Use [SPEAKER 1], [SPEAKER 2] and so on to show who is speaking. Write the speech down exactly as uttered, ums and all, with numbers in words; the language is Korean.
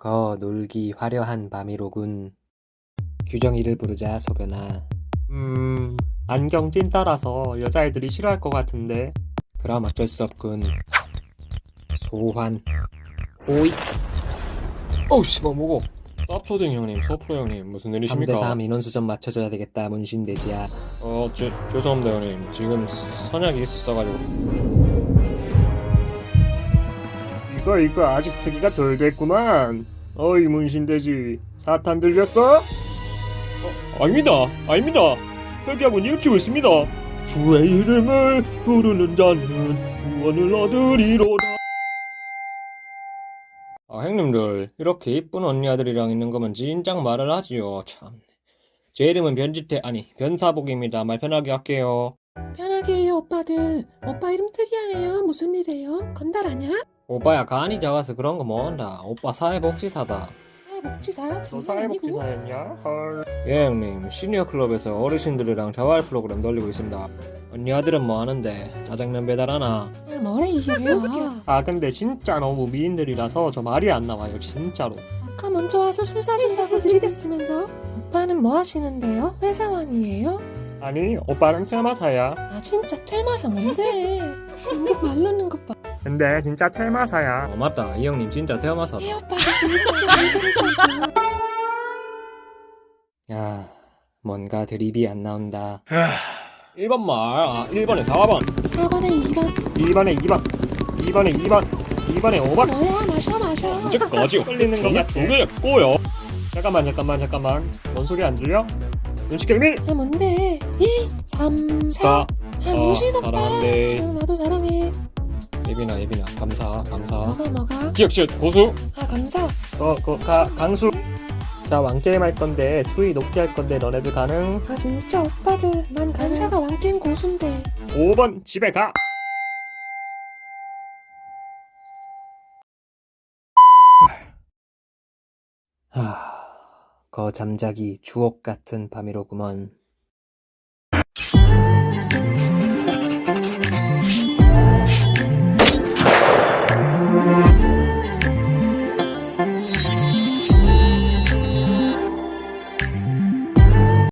[SPEAKER 1] 거 놀기 화려한 밤이로군. 규정이를 부르자 소변아.
[SPEAKER 2] 음, 안경 찐따라서 여자애들이 싫어할 것 같은데.
[SPEAKER 1] 그럼 어쩔 수 없군. 소환. 오이.
[SPEAKER 2] 어우, 씨발, 뭐고? 쌉초딩 형님, 소프로 형님, 무슨
[SPEAKER 1] 삼
[SPEAKER 2] 일이십니까?
[SPEAKER 1] 대 삼 인원수 좀 맞춰줘야 되겠다 문신돼지야.
[SPEAKER 2] 어, 죄, 죄송합니다, 형님. 지금 서- 선약이 있어가지고. 이거, 이거 아직 회기가 덜 됐구만. 어이, 문신돼지. 사탄 들렸어? 어, 아닙니다. 아닙니다. 회기하고 일치고 있습니다. 주의 이름을 부르는 자는 구원을 얻으리로다. 아, 형님들, 이렇게 이쁜 언니 아들이랑 있는 거면 진작 말을 하지요. 참. 제 이름은 변지태, 아니, 변사복입니다. 말 편하게 할게요.
[SPEAKER 3] 편하게 해요 오빠들. 오빠 이름 특이하네요. 무슨 일이에요? 건달 아냐?
[SPEAKER 1] 오빠야 간이 작아서 그런 거 못한다. 오빠 사회복지사다.
[SPEAKER 3] 사회복지사?
[SPEAKER 2] 저
[SPEAKER 3] 장난 아니고.
[SPEAKER 2] 사회복지사였냐? 헐.
[SPEAKER 1] 예 형님, 시니어 클럽에서 어르신들이랑 자활 프로그램 돌리고 있습니다. 언니 아들은 뭐 하는데? 짜장면 배달하나?
[SPEAKER 3] 야 뭐래 이 새끼야.
[SPEAKER 2] 아, 근데 진짜 너무 미인들이라서 저 말이 안 나와요, 진짜로.
[SPEAKER 3] 아까 먼저 와서 술 사준다고 들이댔으면서. 오빠는 뭐 하시는데요? 회사원이에요?
[SPEAKER 2] 아니, 오빠는 퇴마사야.
[SPEAKER 3] 아 진짜 퇴마사 뭔데? 인격 말 놓는 것 봐.
[SPEAKER 2] 근데 진짜 퇴마사야.
[SPEAKER 1] 어 맞다, 이 형님 진짜 태어나서.
[SPEAKER 3] 이 오빠가 진짜 왜 그래 진짜.
[SPEAKER 1] 야, 뭔가 드립이 안 나온다.
[SPEAKER 2] 일 번 말, 아, 일 번에 사 번,
[SPEAKER 3] 사 번에 이 번.
[SPEAKER 2] 이 번에 이 번, 이 번에 이 번, 이 번에 오 번.
[SPEAKER 3] 뭐야 마셔 마셔.
[SPEAKER 2] 언제까지 흘리는 거 같아? 두 개였고요. 잠깐만, 잠깐만, 잠깐만. 뭔 소리 안 들려? 눈치 게임 일,
[SPEAKER 3] 아 뭔데? 이, 삼, 사.
[SPEAKER 2] 사.
[SPEAKER 3] 아 문신
[SPEAKER 1] 어,
[SPEAKER 3] 오빠.
[SPEAKER 1] 사랑한대.
[SPEAKER 3] 응, 나도 사랑해.
[SPEAKER 1] 예빈아, 예빈아, 감사, 감사.
[SPEAKER 3] 뭐가 뭐가?
[SPEAKER 2] 기억시읒 고수.
[SPEAKER 3] 아 감사.
[SPEAKER 2] 어, 그, 가, 강수. 자, 왕게임 할 건데, 수위 높게 할 건데, 너네들 가능?
[SPEAKER 3] 아 진짜 오빠들. 난 간사가 왕게임 고수인데.
[SPEAKER 2] 오 번 집에 가.
[SPEAKER 1] 하, 거 잠자기 주옥 같은 밤이로구먼.